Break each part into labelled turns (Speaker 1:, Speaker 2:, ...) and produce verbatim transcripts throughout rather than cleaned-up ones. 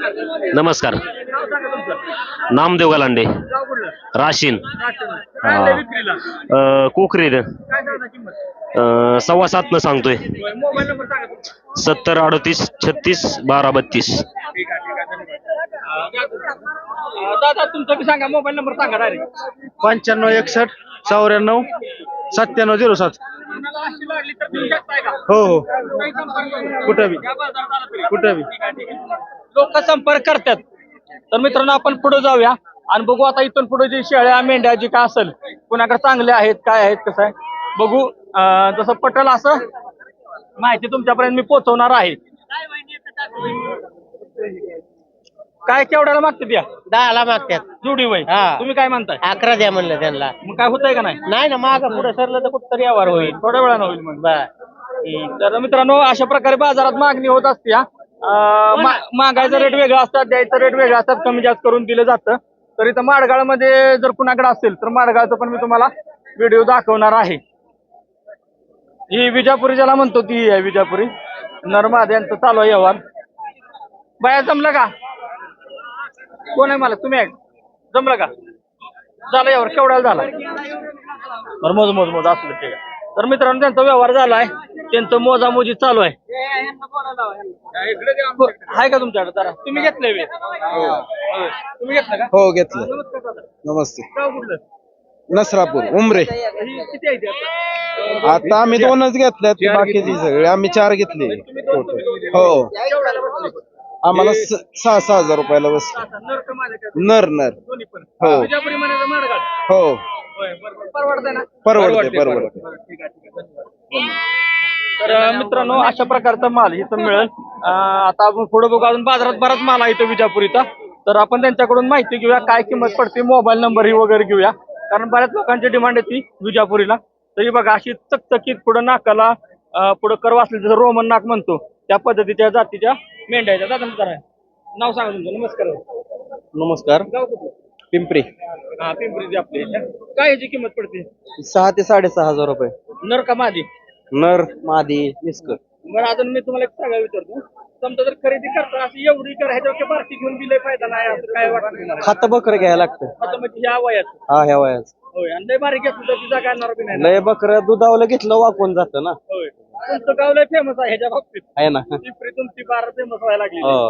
Speaker 1: नमस्कार. नामदेव गलांडे, राशीन. कोकरे सव्वा सात न सांगतोय. सत्तर अडतीस छत्तीस बारा बत्तीस.
Speaker 2: दादा तुमचा बी सांगा, मोबाईल नंबर सांगा डायरेक्ट.
Speaker 3: पंच्याण्णव एकसष्ट चौऱ्याण्णव सत्त्याण्णव झिरो सात. हो हो कुठं बी कुठं बी
Speaker 2: लोक संपर्क करतात. तर मित्रांनो आपण पुढे जाऊया आणि बघू आता इथून पुढे जी शेळ्या मेंढ्या जी काय असेल कुणाकडे चांगले आहेत काय आहेत कसं आहे बघू. जसं पटल असं माहिती तुमच्यापर्यंत मी पोहोचवणार आहे. काय केवढ्याला मागते द्या?
Speaker 4: दहाला मागतात
Speaker 2: जुडी वय.
Speaker 4: हा.
Speaker 2: तुम्ही काय म्हणताय?
Speaker 4: अकरा द्या म्हणलं त्यांना.
Speaker 2: मग काय होतंय का नाही?
Speaker 4: नाही ना माग पुढे सरलं तर कुठतरी व्यवहार होईल.
Speaker 2: थोड्या वेळानं होईल मग.
Speaker 4: बर
Speaker 2: तर मित्रांनो अशा प्रकारे बाजारात मागणी होत असते. हा. अं, मा- मागायचा रेट वेगळा असतात, द्यायचा रेट वेगळा असतात, कमी जास्त करून दिलं जातं. तर इथं माडगाळमध्ये जर कुणाकडे असेल तर माडगाळचं पण मी तुम्हाला व्हिडिओ दाखवणार आहे. ही विजापुरी ज्याला म्हणतो ती आहे विजापुरी. नरमाद यांचं चालू आहे व्यवहार. बाया जमलं का? कोण आहे मला? तुम्ही आहे? जमलं का? झालं यावर केवढ्याला झाला? बरं मोज मोज मोज असलं ठीक आहे. तर मित्रांनो त्यांचा व्यवहार झाला आहे, त्यांचं मोजामोजी चालू आहे. आहे का तुमच्याकडे? जरा तुम्ही घेतलंय वे? तुम्ही घेतलं का?
Speaker 3: हो घेतलं.
Speaker 2: नमस्कार दादा.
Speaker 3: नमस्ते.
Speaker 2: गाव कुठलं?
Speaker 3: नसरापूर उमरे.
Speaker 2: ही किती आहे ती आता?
Speaker 3: आता आम्ही दोनच घेतल्यात, बाकीची सगळे आम्ही चार घेतले.
Speaker 2: तुम्ही दोन तुम्ही दोन.
Speaker 3: हो
Speaker 2: केवढ्याला बसले?
Speaker 3: आम्हाला स- सहा सहा हजार रुपयाला बसले.
Speaker 2: आता नर का माझे का?
Speaker 3: नर नर
Speaker 2: दोन्ही पण.
Speaker 3: हो.
Speaker 2: विजापुरी म्हणायचं माडगाळ.
Speaker 3: हो
Speaker 2: होय, बरोबर. परवडतंय ना?
Speaker 3: परवडते परवडते.
Speaker 2: बरं, ठीक आहे, ठीक आहे. धन्यवाद. तर अं, मित्रांनो अशा प्रकारचा माल इथं मिळेल. अं, आता आपण पुढे बघू, अजून बाजारात बराच माल आहे इथं विजापुरीचा. तर आपण त्यांच्याकडून माहिती घेऊया, काय किंमत पडते, मोबाईल नंबर ही वगैरे घेऊया, कारण बऱ्याच लोकांची डिमांड येते विजापुरीला. तरी बघा अशी चकचकीत पुढं नाकाला अं, पुढं करवा असले जसं रोमन नाक म्हणतो त्या पद्धतीच्या जातीच्या मेंढ्या आहेत. दादा नमस्कार. नाव सांगा तुमचं. नमस्कार.
Speaker 3: नमस्कार.
Speaker 2: गाव कुठलं?
Speaker 3: पिंपरी.
Speaker 2: हा पिंपरी आपली. काय याची किंमत पडते?
Speaker 3: सहा ते साडेसहा हजार रुपये.
Speaker 2: नर का मादी?
Speaker 3: नर मादी मिस्कर.
Speaker 2: बरं अजून मी तुम्हाला एक सांगायला विचारतो, समजा जर खरेदी करता अशी एवढी कर ह्याच्यापेक्षा बारकी घेऊन दिले फायदा नाही असं काय वाटतं तुम्हाला?
Speaker 3: खातं बकर घ्यायला लागतं.
Speaker 2: आता म्हणजे ह्या वयात
Speaker 3: हा ह्या वयाच.
Speaker 2: होय. आणि लय बारीक घेतलं तर तिचा काय येणार बी नाही ना?
Speaker 3: लय बकर दुधावलं घेतलं वाकून जातं ना.
Speaker 2: होय. तुमचं गाव लय फेमस आहे ह्याच्या बाबतीत.
Speaker 3: आहे ना.
Speaker 2: पिंपरी तुमची बारा फेमस व्हायला लागली.
Speaker 3: हो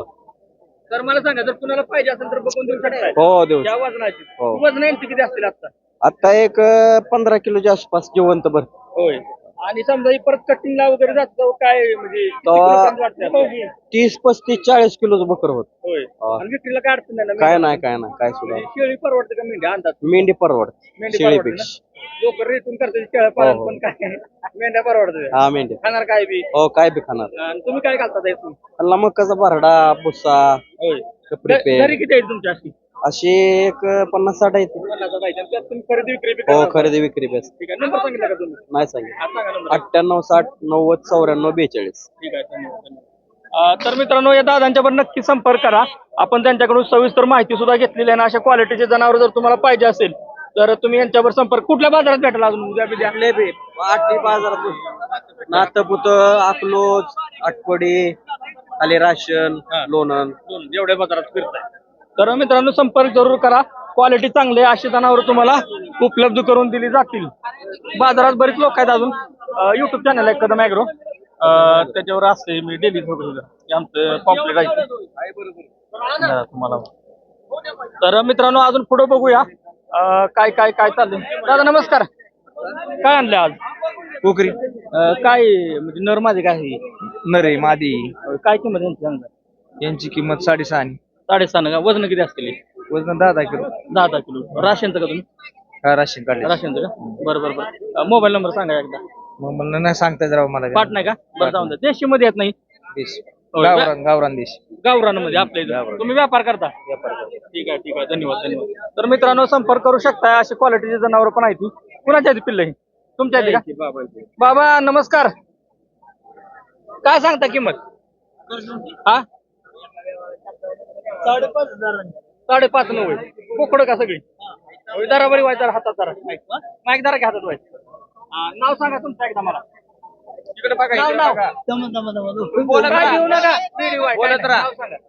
Speaker 2: तर मला सांगा जर कुणाला पाहिजे असेल तर बघून देऊ शकताय
Speaker 3: हो देऊ.
Speaker 2: या वजनाची.
Speaker 3: हो.
Speaker 2: वजन यांची किती असतील आता?
Speaker 3: आता एक अं, पंधरा किलोच्या आसपास जिवंत भर.
Speaker 2: होय. आणि समजा ही परत कटिंगला वगैरे जातो काय म्हणजे किती
Speaker 3: तो-
Speaker 2: किलोपर्यंत वाटतं?
Speaker 3: तीस पस्तीस चाळीस किलोचं बकर होत.
Speaker 2: होय.
Speaker 3: हा.
Speaker 2: आणि विक्रीला काय अडचण नाही ना?
Speaker 3: काय नाही काय नाही काय सुद्धा.
Speaker 2: म्हणजे शेळी परवडते का मेंढ्या अंदाज?
Speaker 3: मेंढी परवडते
Speaker 2: मेंढी परवडते ना?
Speaker 3: शेळीपेक्षा.
Speaker 2: लोक रेटून करतात शेळ्या पालन,
Speaker 3: हो.
Speaker 2: पण काय मेंढ्या परवडते.
Speaker 3: हा मेंढी.
Speaker 2: खाणार काय बी.
Speaker 3: हो काय बी खाणार.
Speaker 2: आणि तुम्ही काय घालता यातून?
Speaker 3: त्याला मकाचा भरडा बुसा
Speaker 2: होय.
Speaker 3: कपडे
Speaker 2: घ- घरी किती आहेत तुमच्या अशी?
Speaker 3: अशी एक पन्नास साठ आहेत.
Speaker 2: पन्नास पाहिजे. आणि त्यात तुम्ही खरेदी विक्री बी
Speaker 3: हो
Speaker 2: करता.
Speaker 3: खरेदी विक्री बेस.
Speaker 2: ठीक आहे. नंबर सांगितला का तुम्ही?
Speaker 3: नाही सांगितलं.
Speaker 2: हा, सांगा नंबर.
Speaker 3: अठ्ठ्याण्णव साठ नव्वद चौऱ्याण्णव बेचाळीस.
Speaker 2: ठीक आहे. धन्यवाद, धन्यवाद. अं, तर मित्रांनो या दादांच्यावर नक्की संपर्क करा. आपण त्यांच्याकडून सविस्तर माहिती सुद्धा घेतलेली आहे. आणि अशा क्वालिटीचे जनावर जर तुम्हाला पाहिजे असेल तर तुम्ही यांच्यावर संपर्क कुठल्या बाजारात भेटेल अजून उद्या बिद्या?
Speaker 3: आठवी बाजारात नातपुत अकलोज आटपडी खाली राशन
Speaker 2: हा.
Speaker 3: लोणंद.
Speaker 2: दोन एवढ्या बाजारात फिरताय. तर मित्रांनो संपर्क जरूर करा. क्वालिटी चांगली आहे अशी जनावर तुम्हाला उपलब्ध करून दिली जातील. बाजारात बरेच लोक आहेत अजून. युट्यूब चॅनल आहे कदम ॲग्रो, त्याच्यावर असते मी डेली आमचं पॉम्पलेट आहे हा, तुम्हाला. तर मित्रांनो अजून पुढे बघूया अं, काय काय काय चाललंय. दादा नमस्कार. काय आणलं आज?
Speaker 3: कोकरी
Speaker 2: अं, काय म्हणजे नर माझे काय आहे?
Speaker 3: नरे मादी
Speaker 2: काय किंमत यांची सांगा?
Speaker 3: यांची किंमत साडेसहा.
Speaker 2: साडेसहा का? वजन किती असतील?
Speaker 3: वजन दहा दहा किलो.
Speaker 2: दहा दहा किलो. राशनचं का तुम्ही?
Speaker 3: हा राशन काढले.
Speaker 2: राशनचं का? बरं बरं बरं. मोबाईल नंबर सांगा एकदा.
Speaker 3: मग मला नाही सांगता राव मला.
Speaker 2: पाठ नाही का? बरं जाऊन द्या. देशी मध्ये येत नाही.
Speaker 3: देश
Speaker 2: होय,
Speaker 3: गावरान गावरान देश.
Speaker 2: गावरानमध्ये आपल्या इथं. तुम्ही व्यापार करता? ठीक आहे ठीक आहे. धन्यवाद धन्यवाद. तर मित्रांनो संपर्क करू शकता. अशी क्वालिटीचे जनावर पण आहेत. कुणाच्या आहेत पिल्ल ही? तुमच्या आहेत का? बाबा नमस्कार. काय सांगता किंमत? हा साडेपाच हजार. साडेपाच नव्वद. बोकडं का सगळी? दरा बरी व्हायचा हातात जरा माईक जरा घ्या हातात व्हायचं. नाव सांगा तुमचं एकदा मला. इकडे बघा. नाव नाव बोलत राहा. बोलत राहा.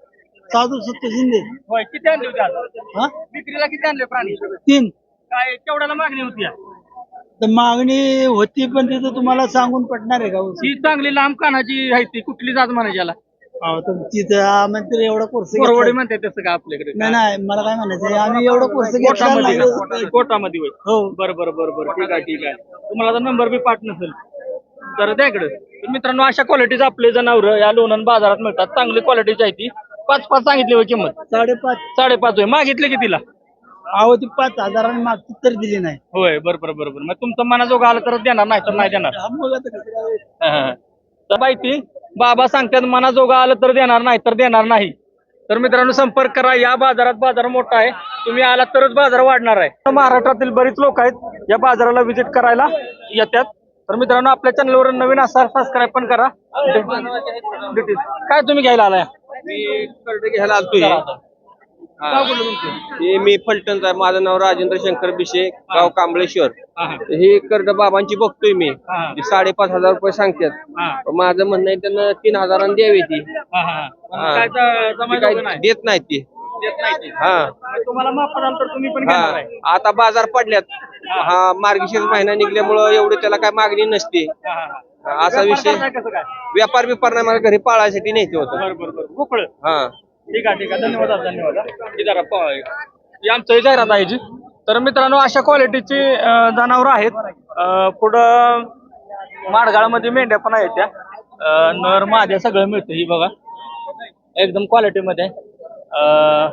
Speaker 3: साधू सत्य शिंदे
Speaker 2: होय किती आणले होते आज
Speaker 3: हा
Speaker 2: विक्रीला किती आणले प्राणी
Speaker 3: तीन
Speaker 2: काय केवढ्याला मागणी होती आज?
Speaker 3: तर मागणी होती पण तिथं तुम्हाला सांगून पटणार आहे का हो?
Speaker 2: ही चांगली लांब कानाची आहे ती कुठली जात म्हणायची याला
Speaker 3: अहो, तर तिथं आम्ही तर एवढा कोर्स
Speaker 2: कोरवडी म्हणते तसं का आपल्याकडे
Speaker 3: नाही नाही मला काय म्हणायचं आम्ही एवढा कोर्स घेतला
Speaker 2: कोटामध्ये
Speaker 3: नाही.
Speaker 2: का? कोटामध्ये होय
Speaker 3: हो
Speaker 2: बरं बरं बरं बरं ठीक आहे ठीक आहे तुम्हाला जर नंबर बी पाठ नसेल तर द्या इकडे तर मित्रांनो अशा क्वालिटीचे आपले जनावर या लोणंद बाजारात मिळतात चांगली क्वालिटीची आहे ती पाच पाच सांगितली होय किंमत
Speaker 3: साडेपाच
Speaker 2: साडेपाच होय मागितले की तिला
Speaker 3: अहो ती पाच हजारांनी मागची तर दिली नाही
Speaker 2: होय बरं बरं बरं बरं मग तुमचं मनाजोगं आलं तरच देणार नाही तर नाही देणार
Speaker 3: हा, मग आता कसं काय?
Speaker 2: हा, हा. तर माहिती बाबा सांगतात मनाजोगं आलं तर देणार नाही तर देणार नाही तर मित्रांनो संपर्क करा या बाजारात बाजार मोठा आहे तुम्ही आला तरच बाजार वाढणार आहे महाराष्ट्रातील बरीच लोक आहेत या बाजाराला व्हिजिट करायला येतात तर मित्रांनो आपल्या चॅनलवर नवीन असाल सबस्क्राईब पण करा Details. काय तुम्ही घ्यायला आलाय
Speaker 5: मी कर्ज घ्यायला आलतोय
Speaker 2: काय बोललो तुमचं
Speaker 5: हे मी फलटणचा आहे. माझं नाव राजेंद्र शंकर बिशे गाव कांबळेश्वर
Speaker 2: हा, हा.
Speaker 5: हे कर्ज बाबांची बघतोय मी
Speaker 2: हा.
Speaker 5: ते साडेपाच हजार रुपये सांगतात
Speaker 2: हा,
Speaker 5: पण माझं म्हणणं आहे त्यांना तीन हजारांनी द्यावी ती
Speaker 2: हा, हा. पण
Speaker 5: हा.
Speaker 2: काय ज-
Speaker 5: ती
Speaker 2: जमायचं
Speaker 5: काय
Speaker 2: नाही
Speaker 5: देत नाहीत ती
Speaker 2: देत नाही ते.
Speaker 5: हा
Speaker 2: मग तुम्हाला माफ कराल तर तुम्ही पण घेणार
Speaker 5: हा
Speaker 2: आहे
Speaker 5: आता बाजार पडल्यात हा मार्गशीर्ष महिना निघल्यामुळं एवढे त्याला काय मागणी नसते
Speaker 2: हा, हा, हा.
Speaker 5: असा
Speaker 2: व्यापार
Speaker 5: विषय
Speaker 2: करताय कसं काय
Speaker 5: व्यापार बिपार नाही मला घरी पाळायसाठी न्यायचं होतं
Speaker 2: बरं बरं बरं मोकळं
Speaker 5: हा
Speaker 2: ठीक आहे ठीक आहे धन्यवाद आज, धन्यवाद हा. हे जरा पाहा एक. ही आमचं जाहिरात आहे जी तर मित्रांनो अशा क्वालिटीची जनावर आहेत अं, पुढं माडगाळमध्ये मेंढ्या पण आहेत त्या अं, नर माद्या सगळं मिळतं ही बघा एकदम क्वालिटीमध्ये अं,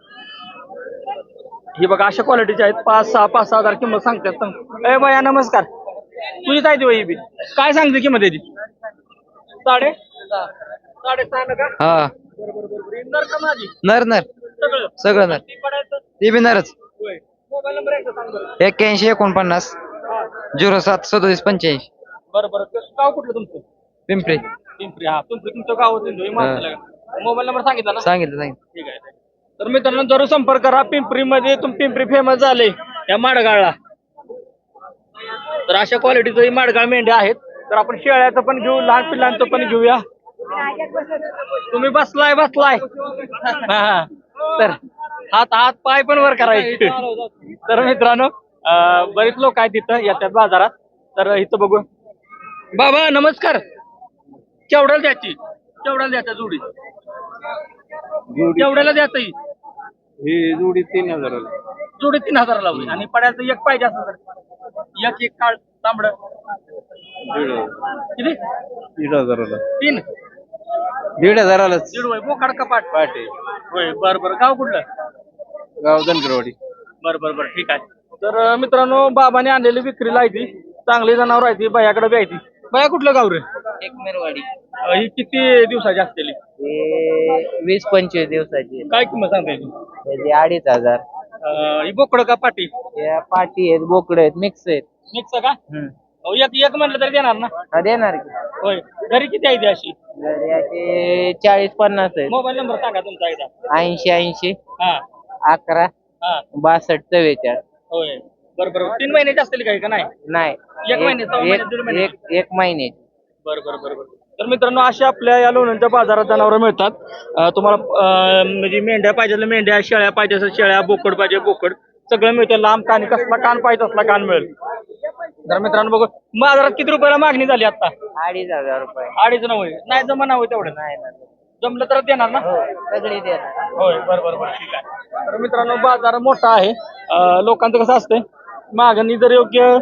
Speaker 2: ही बघा अशा क्वालिटीच्या आहेत पाच सहा पाच सहा हजार किंमत सांगतात सांग ए बाया नमस्कार तुझीच आहे ती बाई ही बी काय सांगते किंमत याची साडे साडे सहा ना का
Speaker 6: हा
Speaker 2: बरोबर बरोबर ही नर का माझी
Speaker 6: नर नर
Speaker 2: सगळं
Speaker 6: सगळं नर
Speaker 2: ती पडायचं
Speaker 6: ते बी नरच
Speaker 2: होय मोबाईल नंबर एकदा सांग बरं
Speaker 6: एक्क्याऐंशी एकोणपन्नास
Speaker 2: हा.
Speaker 6: झिरो सात सदोतीस पंच्याऐंशी
Speaker 2: बरं बरं कसं- गाव कुठलं तुमचं
Speaker 6: पिंपरी
Speaker 2: पिंपरी हा तुमचं तुमचं गाव मोबाईल नंबर सांगितला ना
Speaker 6: सांगितलं सांगितलं
Speaker 2: ठीक आहे तर मित्रांनो जरूर संपर्क करा पिंपरीमध्ये तुम पिंपरी फेमस झाले या माडगाळला तर अशा क्वालिटीचं माडगाळ मेंढ्या आहेत तर आपण शेळ्याचं पण घेऊ लहान पिल्लांचं पण घेऊया तुम्ही बसलाय बसलाय हा, हा. तर हात हात पाय पण वर करायचे तर मित्रांनो अं, बरेच लोक आहेत तिथं येतात बाजारात तर इथं बघू बाबा नमस्कार केवढ्याला द्यायची केवढ्याला द्यायचा जोडी केवढ्याला द्यायचं ही
Speaker 5: ही जोडी तीन हजाराला
Speaker 2: जोडी तीन हजाराला होईल आणि पड्याचं एक पाहिजे असं तर एक एक काळ तांबड किती
Speaker 5: दीड हजाराला
Speaker 2: तीन
Speaker 5: दीड हजारालाच
Speaker 2: दीड होय मोकाड कपाट पाटे होय बर बर गाव कुठलं
Speaker 5: गाव धनगरवाडी
Speaker 2: बर बर बर ठीक आहे तर अं, मित्रांनो बाबाने आणलेली विक्रीला आहे ती चांगली जनावर आहे ती बयाकडे बी आहे ती बया कुठलं गाव रे
Speaker 4: एकमेरवाडी
Speaker 2: अं, ही किती दिवसाची असलेली
Speaker 4: वीस पंचवीस दिवसाची
Speaker 2: काय किंमत सांगता येईल
Speaker 4: त्याची अडीच हजार
Speaker 2: अं, ही बोकड का पाटी
Speaker 4: या पाटी आहेत बोकडे आहेत मिक्स आहेत
Speaker 2: मिक्स का
Speaker 4: हम्म.
Speaker 2: अहो, एक एक म्हणलं तरी देणार ना
Speaker 4: हा, देणार की
Speaker 2: होय घरी किती आहे ती अशी
Speaker 4: जरी असे चाळीस पन्नास आहेत
Speaker 2: मोबाईल नंबर सांगा तुमचा एकदा
Speaker 4: ऐंशी ऐंशी
Speaker 2: हा
Speaker 4: अकरा
Speaker 2: हा
Speaker 4: बासष्ट चव्वेचाळीस
Speaker 2: होय बरं बरं तीन महिन्याची असतील काही का नाही
Speaker 4: नाही
Speaker 2: एक महिने, सहा महिने, दीड
Speaker 4: एक
Speaker 2: महिने.
Speaker 4: एक- एक महिने
Speaker 2: बरं बरं बरं बरं तर मित्रांनो अशा आपल्या या लोणंदच्या बाजारात जनावरं मिळतात अं, तुम्हाला अं, म्हणजे मेंढ्या पाहिजे तर मेंढ्या शेळ्या पाहिजे असेल शेळ्या बोकड पाहिजे बोकड सगळं मिळतं लांब कान कसला कान पाहिजे असला कान मिळेल तर मित्रांनो बघू बाजारात किती रुपयाला मागणी झाली आता
Speaker 4: अडीच हजार रुपये
Speaker 2: अडीच नव्हे नाही जमा होय तेवढं
Speaker 4: नाही ना
Speaker 2: जमलं तर देणार ना
Speaker 4: हो सगळी देणार
Speaker 2: होय बरं बरं बरं ठीक आहे तर मित्रांनो बाजार मोठा आहे अं, लोकांचं कसं असतंय मागणी जर योग्य